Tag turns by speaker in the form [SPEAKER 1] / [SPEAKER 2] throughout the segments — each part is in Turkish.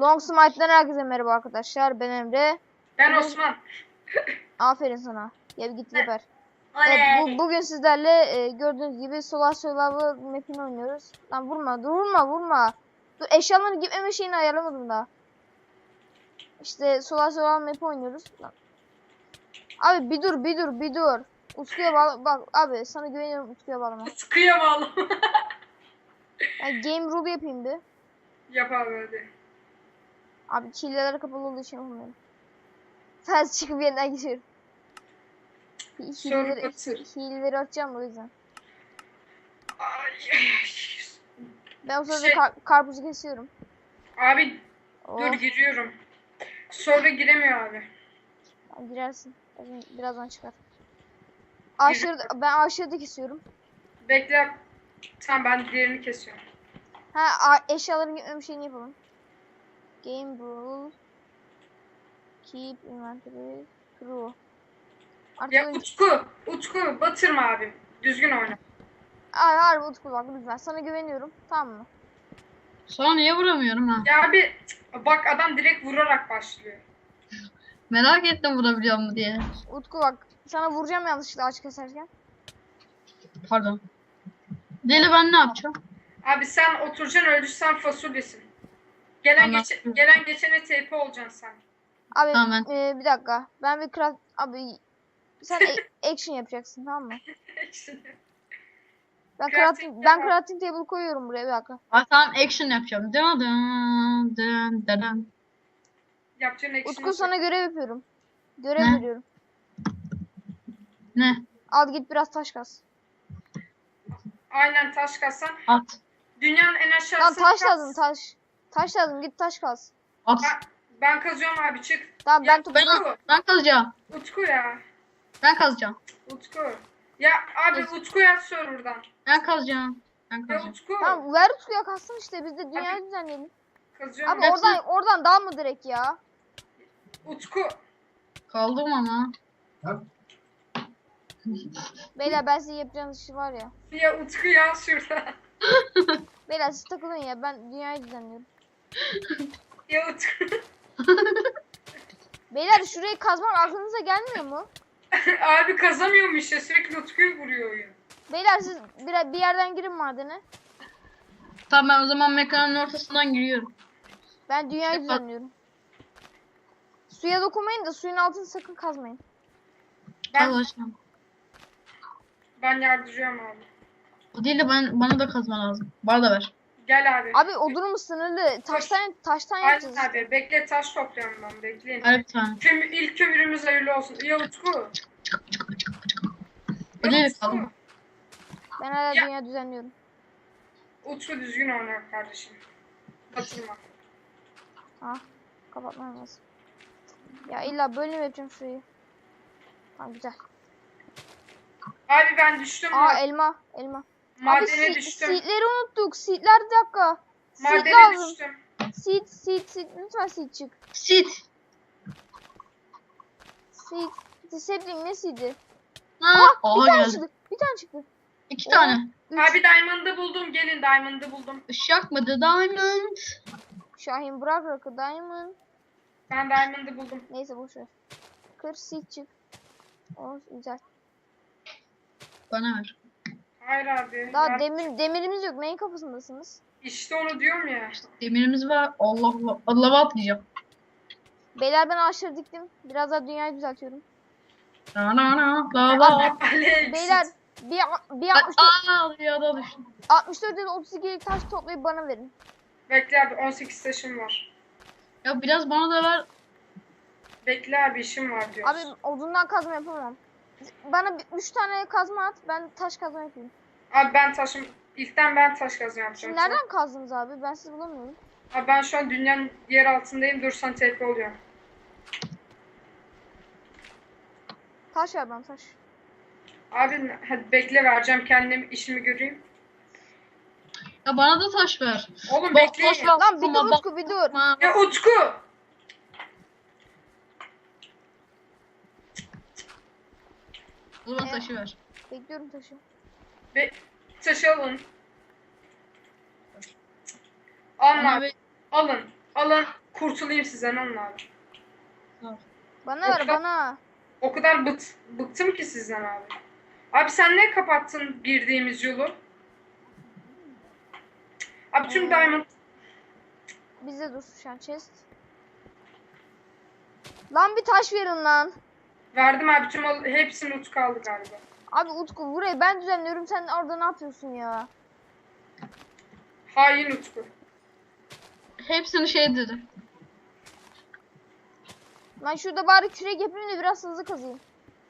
[SPEAKER 1] Long Smite'den herkese merhaba arkadaşlar. Ben Emre.
[SPEAKER 2] Ben Osman.
[SPEAKER 1] Aferin sana. Ya git geber.
[SPEAKER 2] Oley.
[SPEAKER 1] Evet, bugün sizlerle gördüğünüz gibi Solar Survival map'ini oynuyoruz. Lan vurma, vurma. Dur, eşyaların gitmeme şeyini ayarlamadım daha. İşte Solar Survival map'i oynuyoruz. Lan. Abi bir dur. Utku'ya bağla. Bak abi sana güveniyorum, Utku'ya bağlama.
[SPEAKER 2] Sıkıya bağlı.
[SPEAKER 1] Yani game rule yapayım bir.
[SPEAKER 2] Yap abi hadi.
[SPEAKER 1] Abi çileler kapalı olduğu için yapamıyorum. Sadece çıkıp yeniden geçiyorum. Hileleri açacağım o yüzden.
[SPEAKER 2] Ay.
[SPEAKER 1] Ben o sırada karpuzu kesiyorum.
[SPEAKER 2] Abi
[SPEAKER 1] Oh.
[SPEAKER 2] dur giriyorum. Sonra giremiyor abi.
[SPEAKER 1] Girersin. Birazdan çıkar. Ben aşağıda kesiyorum.
[SPEAKER 2] Bekle. Tamam ben diğerini kesiyorum.
[SPEAKER 1] Eşyaların gitmem şeyini yapalım. Game rule. Keep inventory true. Artık
[SPEAKER 2] Ya Utku batırma abi. Düzgün oyna.
[SPEAKER 1] Harbi Utku bak lütfen. Sana güveniyorum. Tamam mı?
[SPEAKER 3] Sonra niye vuramıyorum ha?
[SPEAKER 2] Ya abi bak adam direkt vurarak başlıyor.
[SPEAKER 3] Merak ettim vurabiliyor mu diye.
[SPEAKER 1] Utku bak. Sana vuracağım yanlışlıkla ağaç keserken.
[SPEAKER 3] Pardon. Deli ben ne yapacağım?
[SPEAKER 2] Abi sen oturacaksın öldürsen fasulyesin. Gelen geçene TP olacaksın sen.
[SPEAKER 1] Abi
[SPEAKER 3] Tamam.
[SPEAKER 1] bir dakika. Ben bir craft... Abi sen action yapacaksın tamam mı? Ben crafting table koyuyorum buraya bir dakika.
[SPEAKER 3] Tamam action yapacağım. Dın dın dın dın.
[SPEAKER 2] Yapacağın action'ı
[SPEAKER 1] Utku sana görev yapıyorum. Görev
[SPEAKER 3] Ne?
[SPEAKER 1] veriyorum.
[SPEAKER 3] Ne?
[SPEAKER 1] Al git biraz taş kaz.
[SPEAKER 2] Aynen taş kazsan.
[SPEAKER 3] At.
[SPEAKER 2] Dünyanın en
[SPEAKER 1] Lan
[SPEAKER 2] aşağısı
[SPEAKER 1] taş lazım taş. Taş lazım git taş kaz.
[SPEAKER 3] At.
[SPEAKER 2] Ben kazıyorum abi çık.
[SPEAKER 1] Tamam
[SPEAKER 2] Ya,
[SPEAKER 1] ben topladım.
[SPEAKER 3] Ben kazacağım.
[SPEAKER 2] Utku ya.
[SPEAKER 3] Ben kazacağım.
[SPEAKER 2] Utku. Ya abi Utku yaz server'dan.
[SPEAKER 3] Ben kazacağım. Ben
[SPEAKER 2] Ya
[SPEAKER 3] kazacağım.
[SPEAKER 2] Utku.
[SPEAKER 1] Tamam ver Utku'ya kalsın işte biz de dünyayı düzenleyelim.
[SPEAKER 2] Kazıyorum.
[SPEAKER 1] Abi oradan dal mı direkt ya?
[SPEAKER 2] Utku.
[SPEAKER 3] Kaldım ama.
[SPEAKER 1] Beyler ben sizin yapacağınız işi var ya.
[SPEAKER 2] Ya Utku yaz şurada.
[SPEAKER 1] Beyler siz takılın ya ben dünyayı düzenliyorum.
[SPEAKER 2] Ya Utku.
[SPEAKER 1] Beyler şurayı kazmam aklınıza gelmiyor mu?
[SPEAKER 2] Abi kazamıyorum işte sürekli Utku'yu vuruyor oyun.
[SPEAKER 1] Beyler siz bir yerden girin madene.
[SPEAKER 3] Tamam ben o zaman mekanın ortasından giriyorum.
[SPEAKER 1] Ben dünyayı düzenliyorum. Suya dokunmayın da suyun altını sakın kazmayın.
[SPEAKER 2] Ben yardırıyorum abi.
[SPEAKER 3] O değil de bana da kazma lazım. Bana da ver.
[SPEAKER 2] Gel abi.
[SPEAKER 1] Abi odunumuz sınırlı. Taştan yapacağız.
[SPEAKER 2] Aynen abi bekle taş topluyorum ben bekleyin.
[SPEAKER 3] Ver bir tane.
[SPEAKER 2] İlk kömürümüz hayırlı olsun. Ya Utku.
[SPEAKER 3] O değil kaldım.
[SPEAKER 1] Ben hala
[SPEAKER 2] Ya.
[SPEAKER 1] dünya düzenliyorum.
[SPEAKER 2] Utku düzgün oynar kardeşim. Batırma.
[SPEAKER 1] Kapatmam lazım. Ya illa böyle mi yapacağım şurayı? Tamam güzel.
[SPEAKER 2] Abi ben düştüm.
[SPEAKER 1] Elma.
[SPEAKER 2] Madene
[SPEAKER 1] Abi
[SPEAKER 2] düştüm.
[SPEAKER 1] seedleri unuttuk. Seedler bir dakika. Seed
[SPEAKER 2] Madene
[SPEAKER 1] lazım.
[SPEAKER 2] düştüm.
[SPEAKER 1] Seed. Lütfen seed çık.
[SPEAKER 3] Sit.
[SPEAKER 1] Seed. Sapling ne seed'i?
[SPEAKER 3] Aha
[SPEAKER 1] Bir tane
[SPEAKER 3] geldi.
[SPEAKER 1] çıktı. Bir tane çıktı.
[SPEAKER 3] 2 tane.
[SPEAKER 2] Abi Diamond'ı buldum. Gelin Diamond'ı buldum.
[SPEAKER 3] Işık mı? The Diamond.
[SPEAKER 1] Şahin bırak rakı diamond.
[SPEAKER 2] Ben Diamond'ı buldum.
[SPEAKER 1] Neyse boşver. Kır seed çık. O güzel.
[SPEAKER 3] Bana ver.
[SPEAKER 2] Hayır abi.
[SPEAKER 1] Daha demirimiz yok. Neyin kafasındasınız?
[SPEAKER 2] İşte onu diyorum ya.
[SPEAKER 3] Demirimiz var. Allah'a atlayacağım.
[SPEAKER 1] Beyler ben ağaçları diktim. Biraz daha dünyayı düzeltiyorum.
[SPEAKER 3] Lava.
[SPEAKER 1] Beyler bir
[SPEAKER 3] Ya da düştüm.
[SPEAKER 1] 64 ya da 32'lik taş toplayıp bana verin.
[SPEAKER 2] Bekle abi 18 taşım var.
[SPEAKER 3] Ya biraz bana da ver.
[SPEAKER 2] Bekle abi işim var diyor.
[SPEAKER 1] Abi odundan kazma yapamam. Bana 3 tane kazma at. Ben taş kazma yapayım.
[SPEAKER 2] Abi İlkten ben taş kazma yapacağım.
[SPEAKER 1] Şimdi nereden kazdınız abi? Ben sizi bulamıyorum.
[SPEAKER 2] Abi ben şu an dünyanın yer altındayım. Dursan TP oluyor.
[SPEAKER 1] Taş ver bana taş.
[SPEAKER 2] Abi hadi bekle vereceğim kendime işimi göreyim.
[SPEAKER 3] Ya bana da taş ver.
[SPEAKER 2] Oğlum
[SPEAKER 3] Bak,
[SPEAKER 2] bekleyin.
[SPEAKER 3] taş ver.
[SPEAKER 1] Lan bir dur
[SPEAKER 3] Bak-
[SPEAKER 1] Utku bir dur.
[SPEAKER 2] Ya Utku.
[SPEAKER 3] O zaman taşı ver.
[SPEAKER 1] Bekliyorum taşı.
[SPEAKER 2] Taşı alın.
[SPEAKER 3] Bana
[SPEAKER 2] Alın.
[SPEAKER 3] ver.
[SPEAKER 2] Alın. kurtulayım sizden onun abi.
[SPEAKER 1] Bana ver bana.
[SPEAKER 2] O kadar bıktım ki sizden abi. Abi sen ne kapattın girdiğimiz yolu? Abi tüm diamond
[SPEAKER 1] Bize dur şu an chest. Lan bir taş verin lan.
[SPEAKER 2] verdim abi, tüm hepsini Utku aldı galiba.
[SPEAKER 1] Abi Utku burayı ben düzenliyorum, sen orada ne yapıyorsun ya?
[SPEAKER 2] Hain Utku.
[SPEAKER 3] Hepsini şey dedi.
[SPEAKER 1] Ben şurada bari kürek yapayım da biraz hızlı kazayım.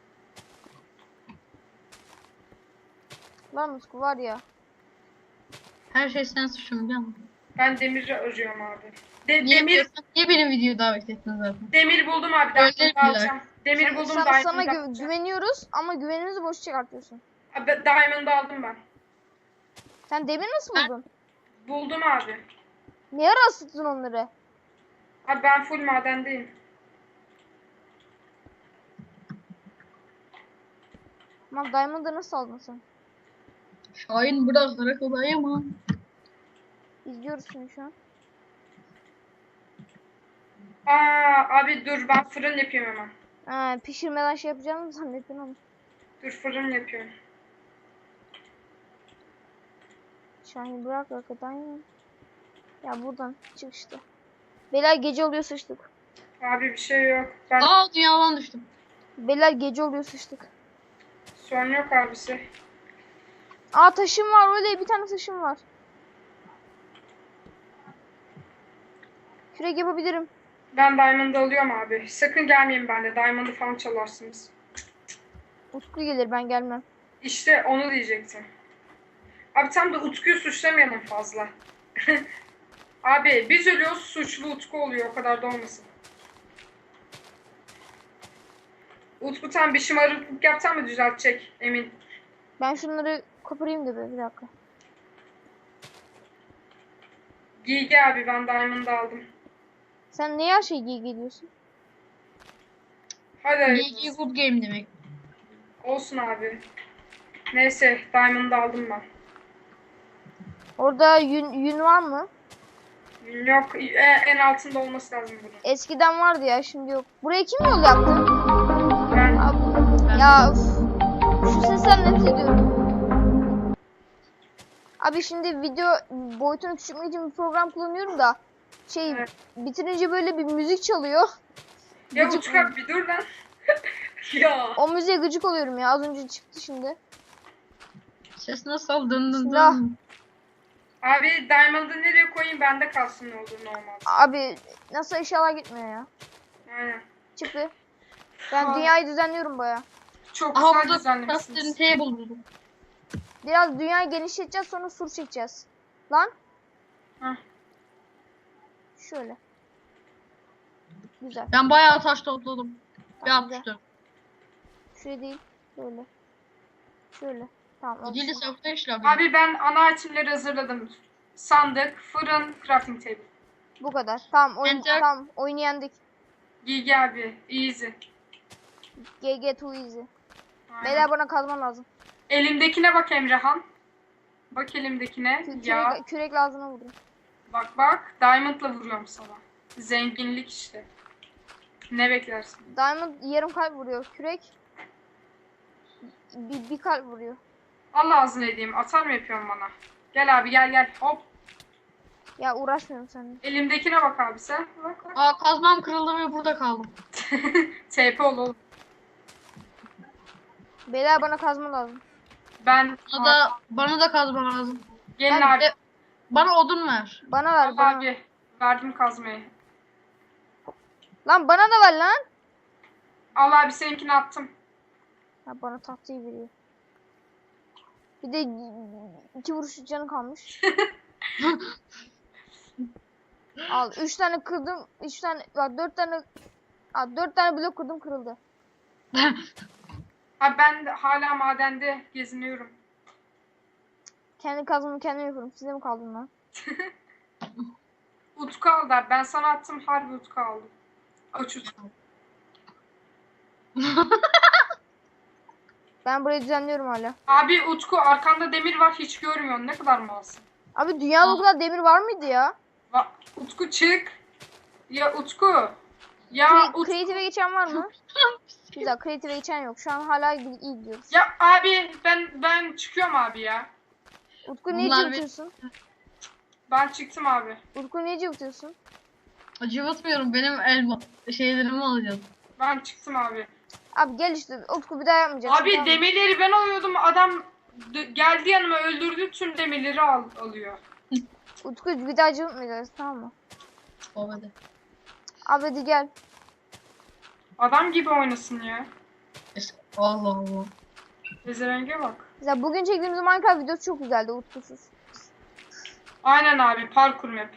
[SPEAKER 1] Lan Utku var ya.
[SPEAKER 3] Her şey sen suçun biliyor musun?
[SPEAKER 2] Ben demir arıyorum abi.
[SPEAKER 3] Niye benim videoyu davet ettin zaten?
[SPEAKER 2] Demir buldum abi.
[SPEAKER 3] Öyle
[SPEAKER 2] Diamond'ı
[SPEAKER 3] dediler.
[SPEAKER 2] alacağım. Demir buldum.
[SPEAKER 1] Sana
[SPEAKER 2] Diamond'ı alacağım.
[SPEAKER 1] güveniyoruz ama güvenimizi boş çıkartıyorsun.
[SPEAKER 2] Abi, Diamond'ı aldım ben.
[SPEAKER 1] Sen demir nasıl
[SPEAKER 3] Ben-
[SPEAKER 1] buldun?
[SPEAKER 2] Buldum abi.
[SPEAKER 1] Niye ara ısıttın onları?
[SPEAKER 2] Abi ben full madendeyim.
[SPEAKER 1] Lan Diamond'ı nasıl aldın sen?
[SPEAKER 3] Şahin bıraktırarak olayama.
[SPEAKER 1] İzliyoruz seni şu an.
[SPEAKER 2] Abi dur, ben fırın yapayım hemen.
[SPEAKER 1] Ha, pişirmeden şey yapacağını zannettin ama.
[SPEAKER 2] Dur, fırın yapıyorum.
[SPEAKER 1] Şahin bırak hakikaten ya. Ya buradan çık işte. Beyler gece oluyor, sıçtık.
[SPEAKER 2] Abi bir şey yok. Ben
[SPEAKER 3] Dünyadan düştüm.
[SPEAKER 1] Beyler gece oluyor, sıçtık.
[SPEAKER 2] sorun yok abisi.
[SPEAKER 1] Taşım var, öyle bir tane taşım var. Kürek yapabilirim.
[SPEAKER 2] Ben Diamond'ı alıyorum abi. Sakın gelmeyin bende. Diamond'ı falan çalarsınız.
[SPEAKER 1] Utku gelir, ben gelmem.
[SPEAKER 2] İşte onu diyecektim. Abi tam da Utku'yu suçlamayalım fazla. Abi biz ölüyoruz, suçlu Utku oluyor. O kadar da olmasın. Utku tam bir şımarıklık yapsan mı düzeltecek, emin.
[SPEAKER 1] Ben şunları koparayım da bir dakika.
[SPEAKER 2] Giygi abi, ben Diamond'ı aldım.
[SPEAKER 1] Sen niye her şeyi giy geliyorsun?
[SPEAKER 2] Hadi
[SPEAKER 3] GG good game demek.
[SPEAKER 2] olsun abi. Neyse, Diamond'ı aldım ben.
[SPEAKER 1] Orada yün var mı?
[SPEAKER 2] Yok, en altında olması lazım bunun.
[SPEAKER 1] Eskiden vardı ya, şimdi yok. Buraya kim yol yaptı?
[SPEAKER 2] Ben
[SPEAKER 1] Abi, ya üf. Şu sesten nefret ediyorum. Abi şimdi video boyutunu küçültmek için bir program kullanıyorum da
[SPEAKER 2] Evet.
[SPEAKER 1] bitirince böyle bir müzik çalıyor.
[SPEAKER 2] ya
[SPEAKER 1] Gıcık-
[SPEAKER 2] Utku abi bir dur lan. Ya.
[SPEAKER 1] O müziğe gıcık oluyorum ya. Az önce çıktı şimdi.
[SPEAKER 3] Ses nasıl dın dın
[SPEAKER 1] Silah.
[SPEAKER 3] dın.
[SPEAKER 2] Abi Diamond'ı nereye koyayım, bende kalsın ne olur ne olmaz.
[SPEAKER 1] Abi nasıl eşyalar gitmiyor ya.
[SPEAKER 2] Aynen.
[SPEAKER 1] Çıktı. Ben
[SPEAKER 2] Aa.
[SPEAKER 1] dünyayı düzenliyorum baya.
[SPEAKER 2] Çok
[SPEAKER 3] Aha
[SPEAKER 2] güzel
[SPEAKER 3] burada
[SPEAKER 2] düzenlemişsiniz.
[SPEAKER 3] crafting table buldum.
[SPEAKER 1] Biraz dünyayı genişleteceğiz, sonra sur çekeceğiz. Lan.
[SPEAKER 2] Hah.
[SPEAKER 1] Şöyle. Güzel.
[SPEAKER 3] Ben bayağı taş topladım. Bir
[SPEAKER 1] Tamam, güzel.
[SPEAKER 3] 64.
[SPEAKER 1] Şöyle değil. Böyle. Şöyle. Tamam. oldu.
[SPEAKER 3] Gidili safta işler.
[SPEAKER 2] Abi ben ana itemleri hazırladım. Sandık, fırın, crafting table.
[SPEAKER 1] Bu kadar. Tamam
[SPEAKER 3] Enter.
[SPEAKER 1] tamam, oyunu yendik.
[SPEAKER 2] Giygi abi, easy.
[SPEAKER 1] GG too easy.
[SPEAKER 2] Aynen.
[SPEAKER 1] Beyler bana kazma lazım.
[SPEAKER 2] Elimdekine bak Emrehan. Bak elimdekine. Ya
[SPEAKER 1] Kürekle ağzına vurdum.
[SPEAKER 2] bak, Diamond'la vuruyorum sana. Zenginlik işte. Ne beklersin?
[SPEAKER 1] Diamond yarım kalp vuruyor. Kürek bir kalp vuruyor.
[SPEAKER 2] Allah ağzını edeyim. Atar mı yapıyorsun bana? Gel abi, gel. Hop.
[SPEAKER 1] Ya uğraşmıyorum seninle.
[SPEAKER 2] Elimdekine bak abi sen. Bak.
[SPEAKER 3] Kazmam kırıldı ve burada kaldım.
[SPEAKER 2] TP ol oğlum.
[SPEAKER 1] Beyler bana kazma lazım.
[SPEAKER 2] Ben
[SPEAKER 3] Bana da kazma lazım.
[SPEAKER 2] gelin
[SPEAKER 1] Ben
[SPEAKER 2] abi.
[SPEAKER 3] Bana odun ver.
[SPEAKER 1] Bana ver
[SPEAKER 2] Al
[SPEAKER 1] bana.
[SPEAKER 2] abi. Verdim kazmayı.
[SPEAKER 1] Lan bana da ver lan.
[SPEAKER 2] Al abi, seninkini attım.
[SPEAKER 1] Ya bana tahtayı veriyor. Bir de 2 vuruş canı kalmış. Al 3 tane kırdım. 3 tane bak 4 tane 4 tane blok kırdım, kırıldı.
[SPEAKER 2] Abi ben de hala madende geziniyorum.
[SPEAKER 1] Kendi kazmamı kendim yapıyorum. Size mi kaldın lan?
[SPEAKER 2] Utku aldı abi. Ben sana attım, harbi Utku aldı. Aç Utku.
[SPEAKER 1] Ben burayı düzenliyorum hala.
[SPEAKER 2] Abi Utku, arkanda demir var, hiç görmüyorsun. Ne kadar malsın.
[SPEAKER 1] Abi dünyada o kadar demir var mıydı ya?
[SPEAKER 2] Utku çık. Ya Utku. Ya Utku.
[SPEAKER 1] Creative'e geçen var mı? Güzel, Creative'e geçen yok. Şu an hala iyi gidiyoruz.
[SPEAKER 2] Ya abi ben çıkıyorum abi ya.
[SPEAKER 1] Utku niye
[SPEAKER 3] Bunlar
[SPEAKER 1] cıvıtıyorsun?
[SPEAKER 2] Ben çıktım abi.
[SPEAKER 1] Utku niye cıvıtıyorsun?
[SPEAKER 3] Acıvatmıyorum. Benim elma şeylerimi alacağım.
[SPEAKER 2] Ben çıktım abi.
[SPEAKER 1] Abi gel işte Utku bir daha yapmayacaksın.
[SPEAKER 2] Abi
[SPEAKER 1] tamam mı?
[SPEAKER 2] demirleri ben alıyordum. Adam geldi yanıma öldürdü tüm demirleri alıyor.
[SPEAKER 1] Utku bir daha cıvıtmayacağız tamam mı?
[SPEAKER 3] O hadi.
[SPEAKER 1] Abi hadi gel.
[SPEAKER 2] Adam gibi oynasın ya.
[SPEAKER 3] Allah Allah.
[SPEAKER 2] Bezerenge bak.
[SPEAKER 1] Mesela bugün çektiğimiz Minecraft videosu çok güzeldi Utkusuz.
[SPEAKER 2] Aynen abi parkur map.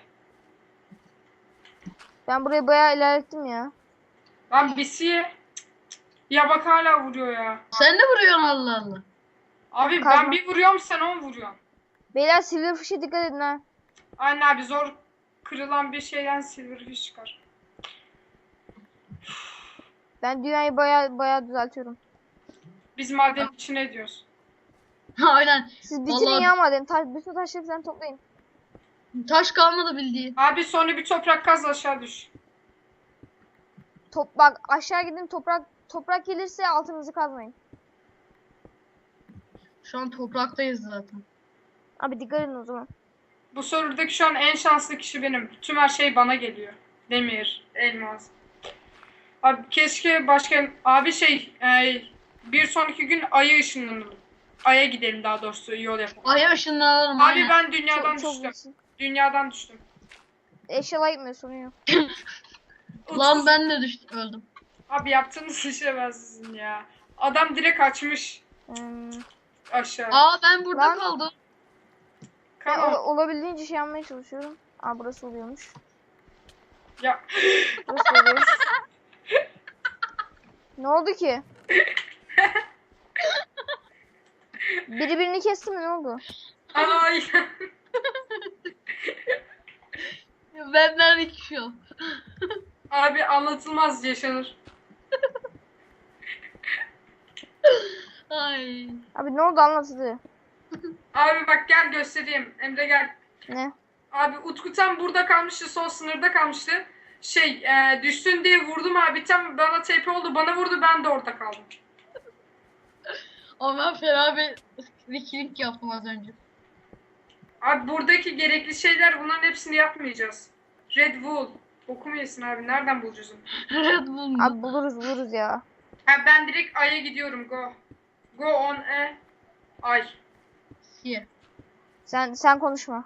[SPEAKER 1] Ben burayı bayağı ilerlettim ya.
[SPEAKER 2] Lan bisiye. Ya bak hala vuruyor ya.
[SPEAKER 3] Sen de vuruyorsun Allah Allah.
[SPEAKER 2] Abi
[SPEAKER 1] Kazma.
[SPEAKER 2] ben bir vuruyorum sen 10 vuruyorsun.
[SPEAKER 1] Beyler Silverfish'e dikkat edin ha.
[SPEAKER 2] Aynen abi zor kırılan bir şeyden silverfish çıkar.
[SPEAKER 1] Ben dünyayı bayağı düzeltiyorum.
[SPEAKER 2] Biz maden içine diyoruz.
[SPEAKER 3] Aynen.
[SPEAKER 1] Siz bitirin
[SPEAKER 3] Vallahi-
[SPEAKER 1] ya madem. Bütün taşları falan toplayın.
[SPEAKER 3] Taş kalmadı bildiğin.
[SPEAKER 2] Abi sonra bir toprak kaz aşağı düş.
[SPEAKER 1] Bak aşağı gidin toprak gelirse altınızı kazmayın.
[SPEAKER 3] Şu an topraktayız zaten.
[SPEAKER 1] Abi dikkat edin o zaman.
[SPEAKER 2] Bu serverdaki şu an en şanslı kişi benim. Tüm her şey bana geliyor. Demir, elmas. Abi keşke başka... Abi bir sonraki gün Ay'a ışınlanalım. Ay'a gidelim daha doğrusu yol yapalım.
[SPEAKER 3] Ay ışınlanalım
[SPEAKER 2] Abi
[SPEAKER 3] aynen.
[SPEAKER 2] ben dünyadan
[SPEAKER 1] Çok
[SPEAKER 2] düştüm.
[SPEAKER 1] iyisin.
[SPEAKER 2] Dünyadan düştüm.
[SPEAKER 1] Eşyalar gitmiyor sorun yok.
[SPEAKER 3] Lan ben de düştüm öldüm.
[SPEAKER 2] Abi yaptığınız işe ben sizin ya. Adam direkt açmış
[SPEAKER 1] Hmm.
[SPEAKER 2] aşağı.
[SPEAKER 3] Aa ben burada
[SPEAKER 1] Lan.
[SPEAKER 3] kaldım.
[SPEAKER 1] Ben
[SPEAKER 2] Come on.
[SPEAKER 1] olabildiğince şey yapmaya çalışıyorum. Aa burası oluyormuş.
[SPEAKER 2] Ya.
[SPEAKER 1] Burası oluyor. Ne oldu ki? Biri birini kesti mi ne oldu?
[SPEAKER 2] Ay.
[SPEAKER 3] Benden hiçbir şey yok.
[SPEAKER 2] Abi anlatılmaz yaşanır.
[SPEAKER 3] Ay.
[SPEAKER 1] Abi ne oldu anlatıldı.
[SPEAKER 2] Abi bak gel göstereyim. Emre gel.
[SPEAKER 1] Ne?
[SPEAKER 2] Abi Utku tam burada kalmıştı. Son sınırda kalmıştı. Düştün diye vurdum abi. Tam bana TP oldu. Bana vurdu. Ben de orada kaldım.
[SPEAKER 3] Ama ben fena bir wikilik yaptım az önce.
[SPEAKER 2] Abi buradaki gerekli şeyler bunların hepsini yapmayacağız. Red Wool. Bokumu yesin abi. Nereden bulacağız onu?
[SPEAKER 3] Red Bull mu?
[SPEAKER 1] Abi buluruz ya.
[SPEAKER 2] Ha, ben direkt Ay'a gidiyorum. Go. Go on Ay.
[SPEAKER 3] Here.
[SPEAKER 1] Sen konuşma.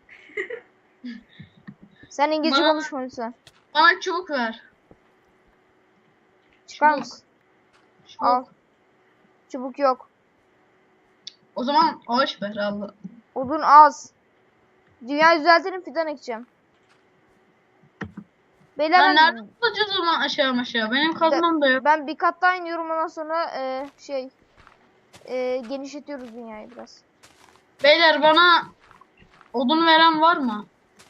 [SPEAKER 1] Sen İngilizce
[SPEAKER 3] Bana-
[SPEAKER 1] konuşma lütfen.
[SPEAKER 3] Bana çubuk ver.
[SPEAKER 1] Çıkar
[SPEAKER 3] Çubuk.
[SPEAKER 1] mısın?
[SPEAKER 3] Çubuk.
[SPEAKER 1] Al. Çubuk yok.
[SPEAKER 3] O zaman ağaç ver Allah.
[SPEAKER 1] Odun az. Dünyayı düzeltelim fidan ekeceğim. Beyler
[SPEAKER 3] Ben nereden bulacağız o zaman aşağı? Benim kazmam da yok.
[SPEAKER 1] ben bir kat daha iniyorum ondan sonra genişletiyoruz dünyayı biraz.
[SPEAKER 3] Beyler bana odun veren var mı?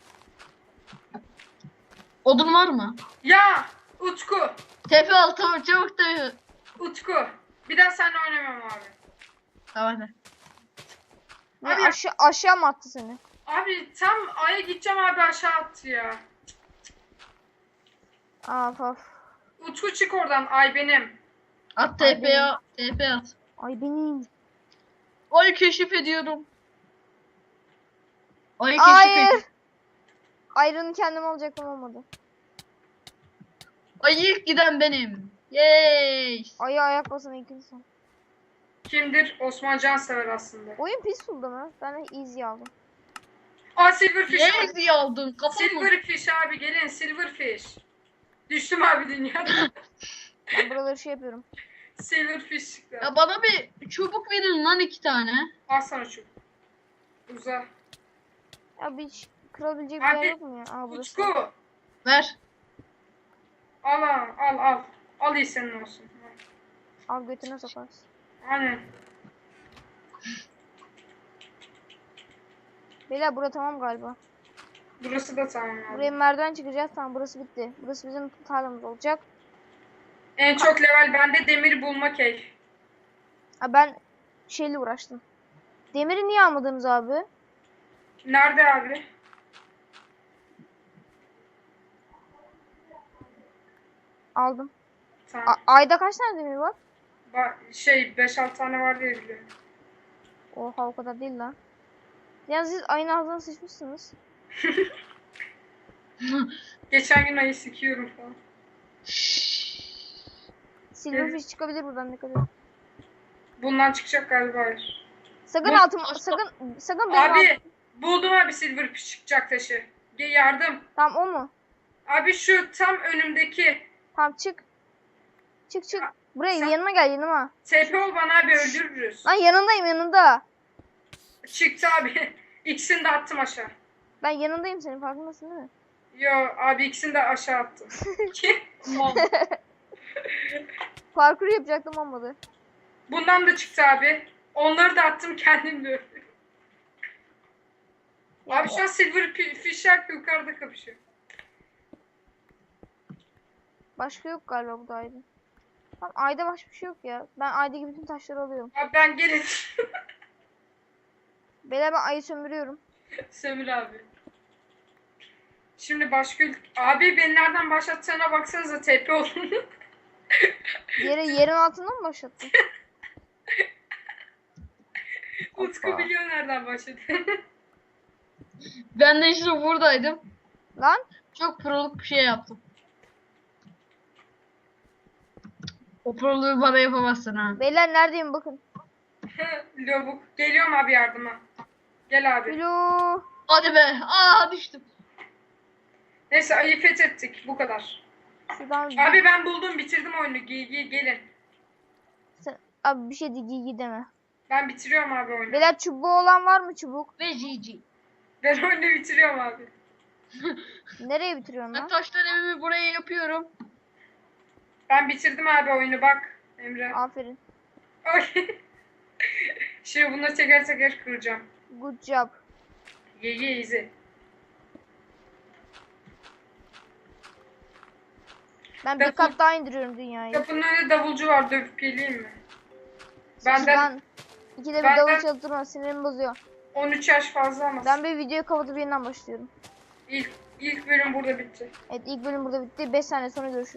[SPEAKER 3] Odun var mı?
[SPEAKER 2] Ya Utku.
[SPEAKER 3] Tepe al tamam çabuk tepe.
[SPEAKER 2] Utku. Bir daha seninle oynamam abi.
[SPEAKER 3] Tamam hadi.
[SPEAKER 1] Ne
[SPEAKER 2] Abi-
[SPEAKER 1] aşağı mı attı seni?
[SPEAKER 2] Abi tam Ay'a gideceğim abi aşağı attı ya.
[SPEAKER 1] Of.
[SPEAKER 2] Utku çık oradan. Ay benim.
[SPEAKER 3] At
[SPEAKER 1] Ay,
[SPEAKER 3] TP at. TP at.
[SPEAKER 1] Ay benim.
[SPEAKER 3] Ay keşif ediyorum. Ay keşif
[SPEAKER 1] Hayır.
[SPEAKER 3] ediyorum.
[SPEAKER 1] Ayrını kendim alacaktım olmadı.
[SPEAKER 3] Ay ilk giden benim. Yay.
[SPEAKER 1] Ayı ayak basana ilk insan.
[SPEAKER 2] Kimdir? Osman Cansever aslında.
[SPEAKER 1] Oyun peaceful'da mı? Ben de easy aldım.
[SPEAKER 2] Aa Silverfish.
[SPEAKER 3] Yay diye aldın kafamı.
[SPEAKER 2] Silverfish abi gelin Silverfish. Düştüm abi dünyadan.
[SPEAKER 1] Ben buraları şey yapıyorum.
[SPEAKER 2] Silverfish çıktı.
[SPEAKER 3] Ya bana bir çubuk verin lan 2 tane.
[SPEAKER 2] Al sana şu. Uza.
[SPEAKER 1] Ya bir kırabilecek bir
[SPEAKER 2] Abi,
[SPEAKER 1] yer yok mu ya? Aa burası.
[SPEAKER 2] Utku.
[SPEAKER 3] Ver.
[SPEAKER 2] Al. Al iyi senin olsun.
[SPEAKER 1] Al götüne sokarsın.
[SPEAKER 2] Aynen.
[SPEAKER 1] Beyler bura tamam galiba.
[SPEAKER 2] Burası da tamam abi.
[SPEAKER 1] Buraya merdiven çıkacağız. Tamam burası bitti. Burası bizim tarlamız olacak.
[SPEAKER 2] En çok level bende demir bulma keyif.
[SPEAKER 1] Ha ben şeyle uğraştım. Demiri niye almadınız abi?
[SPEAKER 2] Nerede abi?
[SPEAKER 1] Aldım.
[SPEAKER 2] Tamam.
[SPEAKER 1] Ayda kaç tane demir var?
[SPEAKER 2] 5-6 tane var diye biliyorum.
[SPEAKER 1] Oha, o kadar değil lan. Yani siz ayın ağzına sıçmışsınız.
[SPEAKER 2] Geçen gün ayı sikiyorum falan.
[SPEAKER 1] Silverfish çıkabilir buradan, ne kadar.
[SPEAKER 2] Bundan çıkacak galiba, hayır.
[SPEAKER 1] Sakın
[SPEAKER 3] Ne?
[SPEAKER 1] altım, sakın benim
[SPEAKER 2] Abi buldum abi, silverfish çıkacak taşı. Yardım.
[SPEAKER 1] Tamam, o mu?
[SPEAKER 2] Abi şu tam önümdeki.
[SPEAKER 1] Tamam, çık. Çık. Buraya
[SPEAKER 2] Sen-
[SPEAKER 1] yanıma gel, yanıma.
[SPEAKER 2] TP ol bana abi, öldürürüz.
[SPEAKER 1] Lan yanındayım, yanında.
[SPEAKER 2] Çıktı abi. İkisini de attım aşağı.
[SPEAKER 1] Ben yanındayım senin, farkındasın değil mi?
[SPEAKER 2] Yo abi, ikisini de aşağı attım.
[SPEAKER 1] Parkur yapacaktım, olmadı.
[SPEAKER 2] Bundan da çıktı abi. Onları da attım, kendim de öldüm.
[SPEAKER 1] Ya,
[SPEAKER 2] Abi şu an silverfish'ler yukarıda kapışıyor.
[SPEAKER 1] başka yok galiba bu da ayda. Tamam, ayda başka bir şey yok ya. Ben aydaki bütün taşları alıyorum.
[SPEAKER 2] Abi ben gelin.
[SPEAKER 1] Beyler, ben ayı sömürüyorum.
[SPEAKER 2] Sömür abi. Şimdi başka abi beni nereden başlattığına baksanıza, TP olun.
[SPEAKER 1] Yerin altından mı başlattın?
[SPEAKER 2] Utku
[SPEAKER 1] Hoppa.
[SPEAKER 2] biliyor nereden başladı.
[SPEAKER 3] Ben de işte buradaydım.
[SPEAKER 1] Lan
[SPEAKER 3] Çok proluk bir şey yaptım. O proluğu bana yapamazsın ha.
[SPEAKER 1] beyler, neredeyim bakın.
[SPEAKER 2] Lobuk. Geliyorum abi yardıma. Gel abi.
[SPEAKER 1] Alo.
[SPEAKER 3] Hadi be. Aa, düştüm.
[SPEAKER 2] Neyse, ayı fethettik. Bu kadar.
[SPEAKER 1] Şuradan
[SPEAKER 2] Abi ben buldum, bitirdim oyunu. Gelin.
[SPEAKER 1] abi bir şey de deme.
[SPEAKER 2] Ben bitiriyorum abi oyunu.
[SPEAKER 1] Beyler, çubuğu olan var mı çubuk?
[SPEAKER 3] Ve GG.
[SPEAKER 2] Ben oyunu bitiriyorum abi.
[SPEAKER 1] Nereye bitiriyorsun
[SPEAKER 3] Ben
[SPEAKER 1] lan?
[SPEAKER 3] taştan evimi buraya yapıyorum.
[SPEAKER 2] Ben bitirdim abi oyunu, bak Emre.
[SPEAKER 1] Aferin.
[SPEAKER 2] Ay. Şimdi bunları teker teker kıracağım.
[SPEAKER 1] Good job.
[SPEAKER 2] Ye easy.
[SPEAKER 1] Ben bir
[SPEAKER 2] Defol.
[SPEAKER 1] kat daha indiriyorum dünyayı.
[SPEAKER 2] Kapının önünde davulcu var, dövüp geleyim mi? Benden
[SPEAKER 1] Ben ikide bir
[SPEAKER 2] Benden-
[SPEAKER 1] davul çaltırma, sinirimi bozuyor.
[SPEAKER 2] 13 yaş fazla ama.
[SPEAKER 1] Ben bir videoyu kapatıp yeniden başlıyorum.
[SPEAKER 2] İlk bölüm burada bitti.
[SPEAKER 1] Evet, ilk bölüm burada bitti. 5 saniye sonra görüşürüz.